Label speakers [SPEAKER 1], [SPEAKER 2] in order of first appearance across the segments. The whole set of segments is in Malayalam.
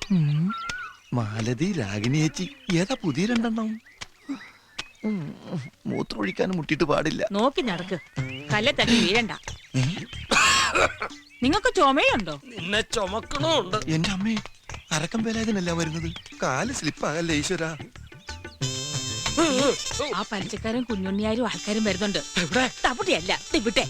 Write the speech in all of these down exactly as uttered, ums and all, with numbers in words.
[SPEAKER 1] മാലതി, രാഗിണി ചേച്ചി, ഏതാ പുതിയ രണ്ടെണ്ണം? മൂത്രമൊഴിക്കാനും മുട്ടിട്ട് പാടില്ല.
[SPEAKER 2] നോക്കി നടക്ക്, കല്ലെ തട്ടി വീഴണ്ട. നിങ്ങൾക്ക് ചുമയുണ്ടോ?
[SPEAKER 3] നിന്നെ ചുമക്കണുണ്ട്.
[SPEAKER 1] എന്റെ അമ്മേ, അരക്കം വേലായതിനല്ല വരുന്നത്. കാല് സ്ലിപ്പാകല്ലേ ഈശ്വര.
[SPEAKER 2] ആ പലിച്ചക്കാരും കുഞ്ഞുണ്ണിയാരും ആൾക്കാരും വരുന്നുണ്ട്. തപ്പുട്ടിയല്ല, ഇവിടെ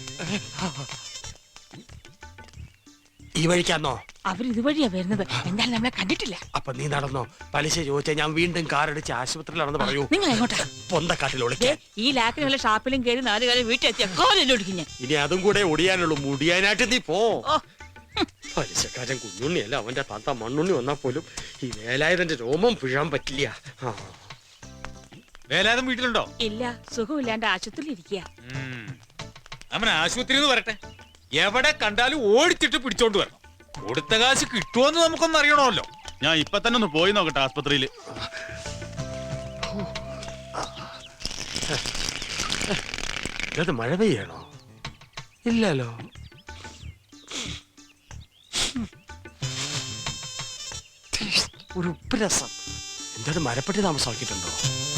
[SPEAKER 3] ഈ വഴിക്കാന്നോ?
[SPEAKER 2] അവരിതുവഴിയാ വരുന്നത്. എന്തായാലും നമ്മളെ കണ്ടിട്ടില്ല.
[SPEAKER 3] അപ്പൊ നീ നടന്നോ? പലിശ ചോദിച്ചാൽ ഞാൻ വീണ്ടും കാറടിച്ച് ആശുപത്രിയിലാണെന്ന് പറയൂ.
[SPEAKER 2] നിങ്ങൾ എങ്ങോട്ടാ?
[SPEAKER 3] പൊന്തക്കാട്ടിൽ ഒളിക്കാൻ.
[SPEAKER 2] ഈ ലാക്കിനുള്ള ഷാപ്പിലും കയറി നാല് കാലം വീട്ടിലെത്തിയ കോലൊടിക്കും.
[SPEAKER 3] ഇനി അതും കൂടെ ഒടിയാനുള്ളൂ. മുടിയാനായിട്ട് നീ പോ. പലിശക്കാരൻ കുഞ്ഞുണ്ണിയല്ല, അവന്റെ താത്ത മണ്ണുണ്ണി വന്നാൽ പോലും ഈ വേലായുധന്റെ രോമം പിഴാൻ പറ്റില്ല.
[SPEAKER 4] വേലായുധൻ വീട്ടിലുണ്ടോ?
[SPEAKER 2] ഇല്ല, സുഖമില്ലാണ്ട് ആശുപത്രിയിൽ ഇരിക്കുക.
[SPEAKER 4] അവൻ ആശുപത്രിയിൽ നിന്ന് വരട്ടെ. എവിടെ കണ്ടാലും ഓടിച്ചിട്ട് പിടിച്ചോണ്ട് വരണം. കൊടുത്ത കാശ് കിട്ടുമോന്ന് നമുക്കൊന്നും അറിയണമല്ലോ.
[SPEAKER 5] ഞാൻ ഇപ്പൊ തന്നെ ഒന്ന് പോയി നോക്കട്ടെ ആസ്പത്രിയില്.
[SPEAKER 3] അത് മഴ പെയ്യണോ? ഇല്ലല്ലോ. ഒരു ഉപ്പുരസം. എന്താണ് മരപ്പെട്ടി താമസമാക്കിയിട്ടുണ്ടോ?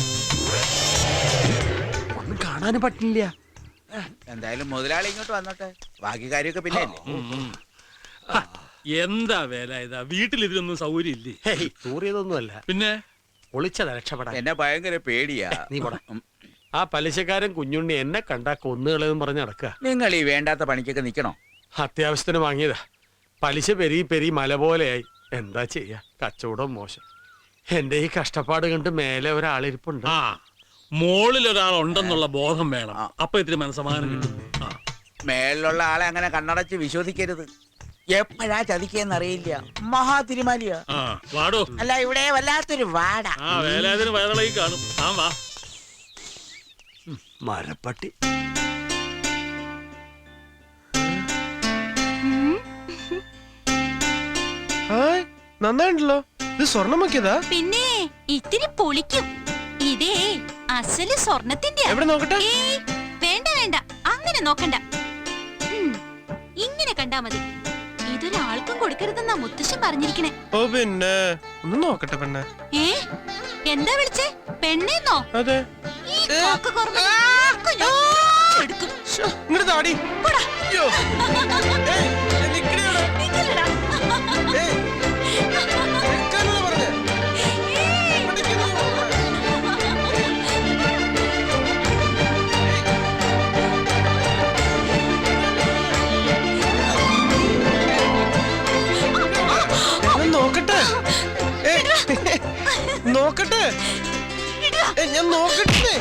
[SPEAKER 3] ഒന്നും കാണാനും പറ്റില്ല.
[SPEAKER 6] എന്തായാലും മുതലാളി ഇങ്ങോട്ട് വന്നോട്ടെ, ബാക്കി കാര്യമൊക്കെ പിന്നെ.
[SPEAKER 7] എന്താ വേല ഇതാ, വീട്ടിൽ ഇതിനൊന്നും സൗകര്യം ഇല്ലേ?
[SPEAKER 3] തൂറിയതൊന്നുമല്ല,
[SPEAKER 7] പിന്നെ
[SPEAKER 3] ഒളിച്ചത് രക്ഷപ്പെടാൻ.
[SPEAKER 6] എന്നെ ഭയങ്കര പേടിയാ.
[SPEAKER 3] നീ പോടാ. ആ പലിശക്കാരൻ കുഞ്ഞുണ്ണി എന്നെ കണ്ടാ കൊന്നുകളെന്ന് പറഞ്ഞ് നടക്കുക.
[SPEAKER 6] നിങ്ങൾ ഈ വേണ്ടാത്ത പണിക്കൊക്കെ നിക്കണോ?
[SPEAKER 3] അത്യാവശ്യത്തിന് വാങ്ങിയതാ. പലിശ പെരി പെരി മല പോലെയായി. എന്താ ചെയ്യാ, കച്ചവടം മോശം. എന്റെ ഈ കഷ്ടപ്പാട് കണ്ട് മേലെ ഒരാളിരിപ്പുണ്ട്.
[SPEAKER 7] ആ, മോളിൽ ഒരാളുണ്ടെന്നുള്ള ബോധം വേണം. അപ്പൊ ഇത്തിരി മനസ്സമാധാനം കിട്ടും.
[SPEAKER 6] മേലുള്ള ആളെ അങ്ങനെ കണ്ണടച്ച് വിശ്വസിക്കരുത്. എപ്പോഴാ ചതിക്കെന്നറിയില്ല. മഹാ തിരുമാലിയാ.
[SPEAKER 7] വാടോ.
[SPEAKER 6] അല്ല, ഇവിടെ വല്ലാത്തൊരു വാട.
[SPEAKER 7] ആ വേലാതിന് വയറിളകി കാണും. ആ വാ.
[SPEAKER 3] മരപ്പട്ടി.
[SPEAKER 8] നന്നായിട്ടുണ്ടല്ലോ. ഇത് സ്വർണ്ണമാക്കിയതാ?
[SPEAKER 9] പിന്നെ ഇത്തിരി പൊളിക്കും. ഇതേ അസല് സ്വർണത്തിന്റെ.
[SPEAKER 8] എവിടെ നോക്കട്ടെ?
[SPEAKER 9] വേണ്ട വേണ്ട, അങ്ങനെ നോക്കണ്ട. ഇങ്ങനെ കണ്ടാ മതി. ഇതൊരാൾക്കും കൊടുക്കരുതെന്നാ മുത്തശ്ശൻ പറഞ്ഞിരിക്കണേ.
[SPEAKER 8] ഓ പിന്നെ ഒന്ന് നോക്കട്ടെ പെണ്ണെ.
[SPEAKER 9] ഏ എന്താ വിളിച്ചേ? പെണ്ണേന്നോ?
[SPEAKER 8] അതെ. ഇങ്ങോട്ട് താടി. നോക്കട്ടെ നോക്കട്ടെ ഞാൻ നോക്കട്ടെ.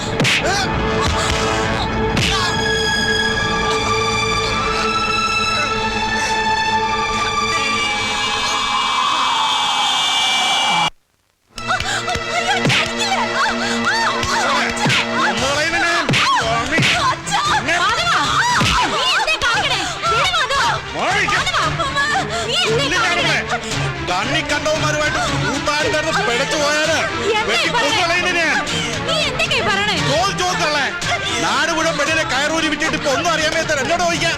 [SPEAKER 5] കണ്ണി കണ്ടവന്മാരുമായിട്ട് പിടച്ചു പോയാല് നാട് മുഴുവൻ പെണ്ണിനെ കയറൂരി വിട്ടിട്ട് ഇപ്പൊ ഒന്നും അറിയാൻ മേത്ത എന്നോട് ചോദിക്കാം.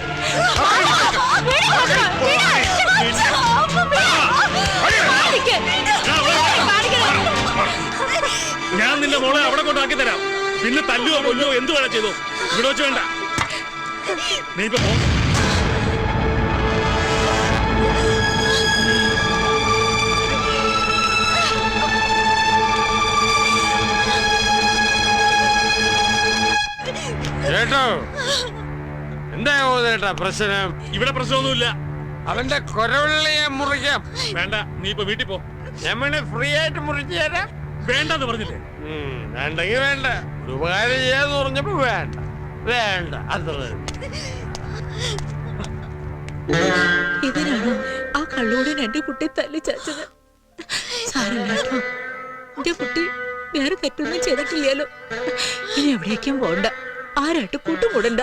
[SPEAKER 7] ഞാൻ നിന്റെ മോളെ അവിടെ കൊണ്ടാക്കി തരാം. പിന്നെ തല്ലുവോ കൊല്ലോ എന്ത് വേണം ചെയ്തോ. ഇവിടെ വെച്ച് വേണ്ട. നീ ഇപ്പൊ പോ.
[SPEAKER 3] ചേട്ടോ, എന്താ ചേട്ടാ പ്രശ്നം?
[SPEAKER 7] ഇവിടെ പ്രശ്നമൊന്നുമില്ല.
[SPEAKER 3] അവന്റെ കൊരവള്ളിയെ മുറിക്കാം.
[SPEAKER 7] വേണ്ട, നീ ഇപ്പൊ വീട്ടിൽ പോ.
[SPEAKER 3] ഞാൻ ഫ്രീ ആയിട്ട് മുറിച്ചു തരാം.
[SPEAKER 7] വേണ്ടെന്ന് പറഞ്ഞില്ലേ?
[SPEAKER 3] വേണ്ടെങ്കിൽ വേണ്ട. ഒരു ഉപകാരം ചെയ്യാന്ന് പറഞ്ഞപ്പോ വേണ്ട വേണ്ട അത്ര.
[SPEAKER 2] ഇതിനാണോ ആ കള്ളോടൻ എന്റെ കുട്ടി തല്ലി ചാച്ചത്? സാരമില്ലാട്ടോ, എന്റെ കുട്ടി വേറെ തെറ്റൊന്നും ചെയ്തിട്ടില്ലല്ലോ. ഇനി എവിടേക്കും പോണ്ട, ആരായിട്ട് കൂട്ടുകൂടണ്ട.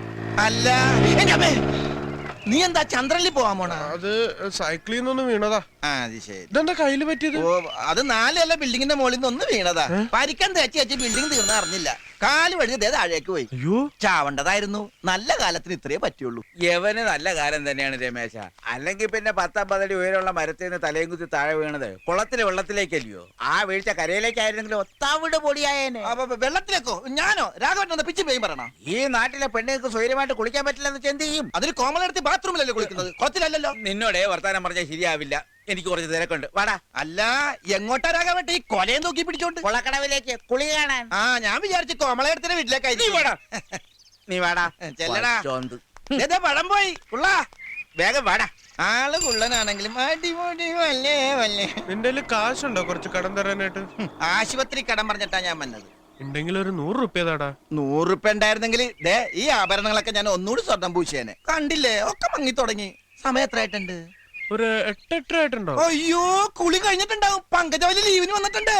[SPEAKER 1] അല്ല, നീ എന്താ ചന്ദ്രനിൽ പോവാൻ പോണ?
[SPEAKER 8] അത് സൈക്കിളിൽ നിന്നൊന്നും വീണതാ.
[SPEAKER 6] ആ അത് ശരി.
[SPEAKER 8] ഇതെന്താ കയ്യില് പറ്റിയത്?
[SPEAKER 6] ഓ അത് നാലല്ല ബിൽഡിങ്ങിന്റെ മുകളിൽ നിന്ന് ഒന്ന് വീണതാ. പരിക്കാൻ തേച്ച് വെച്ച് ബിൽഡിംഗ് തീർന്ന അറിഞ്ഞില്ല. കാല് വഴി ദേ താഴേക്ക് പോയി.
[SPEAKER 8] അയ്യോ,
[SPEAKER 6] ചാവണ്ടതായിരുന്നു. നല്ല കാലത്തിന് ഇത്രേ പറ്റുള്ളൂ.
[SPEAKER 10] യവന് നല്ല കാലം തന്നെയാണ് രമേശ. അല്ലെങ്കിൽ പിന്നെ പത്തമ്പതടി ഉയരമുള്ള മരത്തിൽ നിന്ന് തലയും കുത്തി താഴെ വീണത് കുളത്തിലെ വെള്ളത്തിലേക്കല്ലയോ? ആ വീഴ്ച കരയിലേക്കായിരുന്നെങ്കിൽ ഒത്താവിട് പൊടിയായേനെ.
[SPEAKER 6] അപ്പൊ വെള്ളത്തിലേക്കോ? ഞാനോ രാഘവൻ പിച്ചും പേയും പറയണ?
[SPEAKER 10] ഈ നാട്ടിലെ പെണ്ണുങ്ങൾക്ക് സ്വൈര്യമായിട്ട് കുളിക്കാൻ പറ്റില്ലെന്ന് എന്ത് ചെയ്യും?
[SPEAKER 6] അതിന് കോമളെടുത്ത് ബാത്റൂമിലല്ലേ കുളിക്കുന്നത്, കുളത്തിലല്ലല്ലോ.
[SPEAKER 10] നിന്നോടേ വർത്താനം പറഞ്ഞാൽ ശരിയാവില്ല. എനിക്ക് കുറച്ച് തിരക്കുണ്ട്. വാടാ.
[SPEAKER 6] അല്ല എങ്ങോട്ടാ രാഘവട്ടെ ഈ കൊലയും നോക്കി പിടിച്ചോണ്ട്?
[SPEAKER 10] കൊളക്കടവിലേക്ക് കുളി കാണാൻ.
[SPEAKER 6] ആ ഞാൻ വിചാരിച്ചു കോമളയെടുത്തിന്റെ വീട്ടിലേക്കായിരിക്കും.
[SPEAKER 10] നീ വാടാ.
[SPEAKER 6] ചെല്ലടാ.
[SPEAKER 10] ചോന്ത്.
[SPEAKER 6] ദേ പഴം പോയി കുള്ളാ.
[SPEAKER 10] വേഗം വാടാ.
[SPEAKER 6] ആള് കുള്ളനാണെങ്കിലും അടിപൊളി വല്ലേ വല്ലേ.
[SPEAKER 8] നിന്റെ കയ്യില് കാശുണ്ടോ കുറച്ച് കടം തരാനായിട്ട്?
[SPEAKER 6] ആശുപത്രി കടം പറഞ്ഞിട്ടാ ഞാൻ വന്നത്.
[SPEAKER 8] ഉണ്ടെങ്കിൽ ഒരു നൂറ് റുപ്യ താടാ.
[SPEAKER 6] നൂറുപ്യ ഉണ്ടായിരുന്നെങ്കിൽ ദേ ഈ ആഭരണങ്ങളൊക്കെ ഞാൻ ഒന്നുകൂടി സ്വർണം പൂശിയേനെ. കണ്ടില്ലേ ഒക്കെ മങ്ങി തുടങ്ങി. സമയം എത്രയായിട്ടുണ്ട്?
[SPEAKER 8] ഒരു എട്ടെട്ടര ആയിട്ടുണ്ടോ?
[SPEAKER 6] അയ്യോ കുളി കഴിഞ്ഞിട്ടുണ്ടാവും. പങ്കജവലി ലീവിന് വന്നിട്ടുണ്ട്.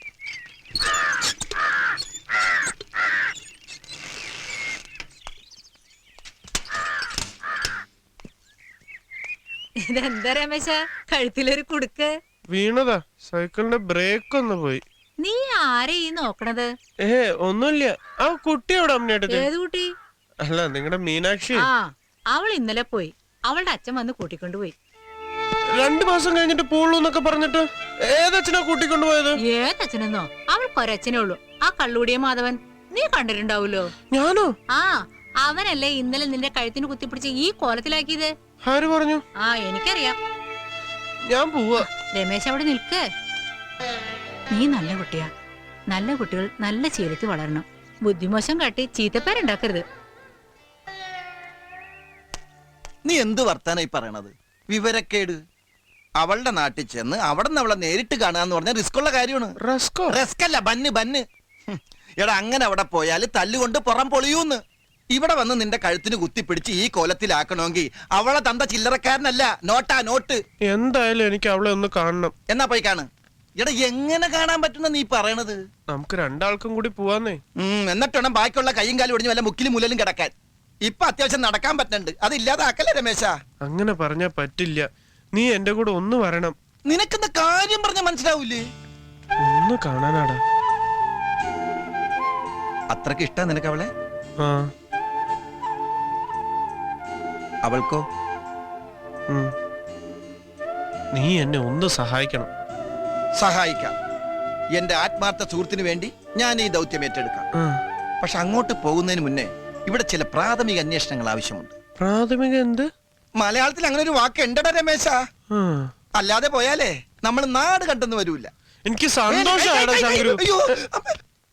[SPEAKER 2] ഇതെന്താ രമേശ കഴുത്തിലൊരു കുടുക്ക്?
[SPEAKER 8] വീണതാ. സൈക്കിളിന്റെ ബ്രേക്ക് ഒന്ന് പോയി.
[SPEAKER 2] നീ ആരെ ഈ നോക്കണത്?
[SPEAKER 8] ഏ ഒന്നുമില്ല. ആ കുട്ടിയോട് അമ്മയുടെ
[SPEAKER 2] ഏത് കുട്ടി?
[SPEAKER 8] അല്ല നിങ്ങളുടെ മീനാക്ഷി.
[SPEAKER 2] ആ അവൾ ഇന്നലെ പോയി. അവളുടെ അച്ഛൻ വന്ന് കൂട്ടിക്കൊണ്ടുപോയി.
[SPEAKER 8] രണ്ടു മാസം കഴിഞ്ഞിട്ട് പോളൂ എന്നൊക്കെ പറഞ്ഞിട്ട് ഏതച്ഛനാ കൂട്ടിക്കൊണ്ടുപോയത്?
[SPEAKER 2] ഏതച്ഛനെന്നോ? അവൾക്ക് ഒരച്ഛനേ ഉള്ളൂ, ആ കള്ളുകൂടിയ മാധവൻ. നീ കണ്ടിട്ടുണ്ടാവൂലോ.
[SPEAKER 8] ഞാനോ?
[SPEAKER 2] ആ അവനല്ലേ ഇന്നലെ നിന്റെ കഴുത്തിന് കുത്തിപ്പിടിച്ച് ഈ കോലത്തിലാക്കിയത്.
[SPEAKER 8] ആര് പറഞ്ഞു?
[SPEAKER 2] ആ എനിക്കറിയാം.
[SPEAKER 8] ഞാൻ പോവാ.
[SPEAKER 2] രമേശ് അവിടെ നിൽക്ക്. നീ നല്ല കുട്ടിയാ. നല്ല കുട്ടികൾ നല്ല ശീലത്തിൽ വളരണം. ബുദ്ധിമോശം കാട്ടി ചീത്തപ്പേരുണ്ടാക്കരുത്.
[SPEAKER 6] നീ എന്ത് വർത്താനായി പറയണത്? വിവരക്കേട്. അവളുടെ നാട്ടിൽ ചെന്ന് അവിടെ നിന്ന് അവളെ നേരിട്ട് കാണാന്ന് പറഞ്ഞാൽ റിസ്ക് ഉള്ള കാര്യമാണ്.
[SPEAKER 8] റസ്കോ?
[SPEAKER 6] റിസ്ക് അല്ല, ബന്ന് ബന്ന്. ഹും. എടാ അങ്ങനെ അവിടെ പോയാൽ തല്ലുകൊണ്ട് പുറം പൊളിയൂന്ന്. ഇവിടെ വന്ന് നിന്റെ കഴുത്തിന് കുത്തിപ്പിടിച്ച് ഈ കോലത്തിലാക്കണമെങ്കിൽ അവളെ തന്ത ചില്ലറക്കാരനല്ല, നോട്ടാ നോട്ട്.
[SPEAKER 8] എന്തായാലും എനിക്ക് അവളെ ഒന്ന് കാണണം.
[SPEAKER 6] എന്നാ പോയി കാണ്. എടാ എങ്ങനെ കാണാൻ പറ്റുന്ന നീ പറയണത്?
[SPEAKER 8] നമുക്ക് രണ്ടാൾക്കും കൂടി പോവാന്നേ.
[SPEAKER 6] ഉം എന്നിട്ട് വേണം ബാക്കിയുള്ള കൈയും കാലും ഒടിഞ്ഞ് വല്ല മുക്കിലും മുലലും കിടക്കാൻ. ഇപ്പൊ അത്യാവശ്യം നടക്കാൻ പറ്റുന്നുണ്ട്. അത് ഇല്ലാതാക്കല്ലേ രമേശ?
[SPEAKER 8] അങ്ങനെ പറഞ്ഞാ പറ്റില്ല. നീ എന്റെ കൂടെ ഒന്ന് വരണം.
[SPEAKER 6] നിനക്കെന്താ കാര്യം പറഞ്ഞ മനസ്സിലാവൂലേ?
[SPEAKER 8] ഒന്ന് കാണാനാടാ.
[SPEAKER 6] അത്രക്ക് ഇഷ്ടാ നിനക്ക് അവളെ?
[SPEAKER 8] ആ.
[SPEAKER 6] അവൾക്കോ?
[SPEAKER 8] ഉം. നീ എന്നെ ഒന്ന് സഹായിക്കണം.
[SPEAKER 6] സഹായിക്കാം. എന്റെ ആത്മാർത്ഥ സുഹൃത്തിന് വേണ്ടി ഞാൻ ഈ ദൗത്യം ഏറ്റെടുക്കാം.
[SPEAKER 8] ആ.
[SPEAKER 6] പക്ഷെ അങ്ങോട്ട് പോകുന്നതിന് മുന്നേ ഇവിടെ ചില പ്രാഥമിക അന്വേഷണങ്ങൾ ആവശ്യമുണ്ട്.
[SPEAKER 8] പ്രാഥമിക എന്ത്?
[SPEAKER 6] മലയാളത്തിൽ അങ്ങനെ ഒരു വാക്ക് ഉണ്ടടാ രമേശ.
[SPEAKER 8] ആ.
[SPEAKER 6] അല്ലാതെ പോയാലേ നമ്മൾ നാട് കണ്ടെന്ന് വരൂല.
[SPEAKER 8] എനിക്ക് സന്തോഷാടാ ശങ്കരു.
[SPEAKER 6] അയ്യോ അമ്മ.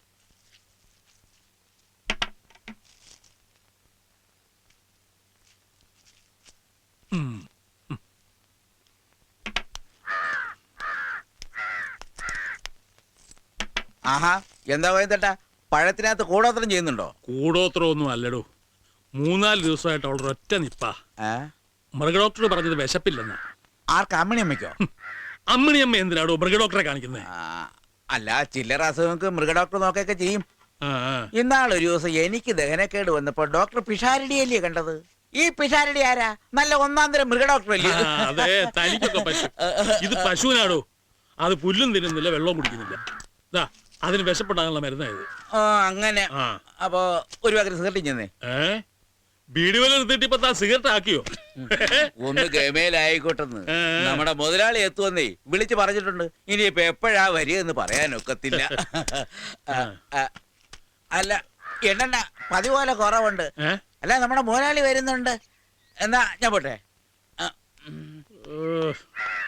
[SPEAKER 10] ആഹാ എന്താ പോയതേട്ടാ? പഴത്തിനകത്ത് കൂടോത്രം ചെയ്യുന്നുണ്ടോ?
[SPEAKER 7] കൂടോത്രം ഒന്നും അല്ലടോ. മൂന്നാല് ദിവസമായിട്ട് അവളുടെ ഒറ്റ നിപ്പാ.
[SPEAKER 10] ഏ?
[SPEAKER 7] മൃഗഡോക്ടർ പറഞ്ഞത് വിശപ്പില്ലെന്ന്.
[SPEAKER 10] ആർക്ക്? അമ്മണി അമ്മയ്ക്കോ?
[SPEAKER 7] അമ്മിണിയമ്മ എന്തിനാടോ മൃഗഡോക്ടറെ കാണിക്കുന്നത്?
[SPEAKER 10] ആ, അല്ല ചില്ലറ അസുഖങ്ങൾക്ക് മൃഗഡോക്ടർ നോക്കൊക്കെ ചെയ്യും.
[SPEAKER 7] ആ, ആ.
[SPEAKER 10] ഇന്നാളൊരു ദിവസം എനിക്ക് ദഹനക്കേട് വന്നപ്പോ ഡോക്ടർ പിഷാരടിയല്ലേ കണ്ടത്. ഈ പിഷാരടി ആരാ? നല്ല ഒന്നാം തരം മൃഗഡോക്ടർ അല്ലേ?
[SPEAKER 7] ആ, അതെ തനിക്കൊക്കെ പശു. ഇത് പശുവിനാടോ. അത് പുല്ലും തിന്നുന്നില്ല, വെള്ളവും കുടിക്കുന്നില്ല. ദാ അതിന് വിശപ്പുണ്ടാകാനുള്ള മരുന്നായത്.
[SPEAKER 10] ആ അങ്ങനെ.
[SPEAKER 7] ആ.
[SPEAKER 10] അപ്പൊ ഒരു പകരം സിഗരറ്റ് ചെന്നേ.
[SPEAKER 7] ഏ ബീഡി വല നിർത്തിയിട്ട് ഇപ്പൊ താ സിഗരറ്റ് ആക്കിയോ?
[SPEAKER 10] ഒന്ന് ഗമേലായിക്കോട്ടെന്ന്.
[SPEAKER 7] ഏ.
[SPEAKER 10] നമ്മുടെ മുതലാളി എത്തുവന്നേ വിളിച്ചു പറഞ്ഞിട്ടുണ്ട്. ഇനിയിപ്പൊ എപ്പോഴാ വരിക എന്ന് പറയാനൊക്കത്തില്ല. ആ, ആ, അല്ല എണ്ണ പതിപോലെ കുറവുണ്ട്.
[SPEAKER 7] ഏ?
[SPEAKER 10] അല്ല നമ്മുടെ മുതലാളി വരുന്നുണ്ട്. എന്നാ ഞാൻ പോട്ടെ. ആ, ഉം.
[SPEAKER 7] ഏ,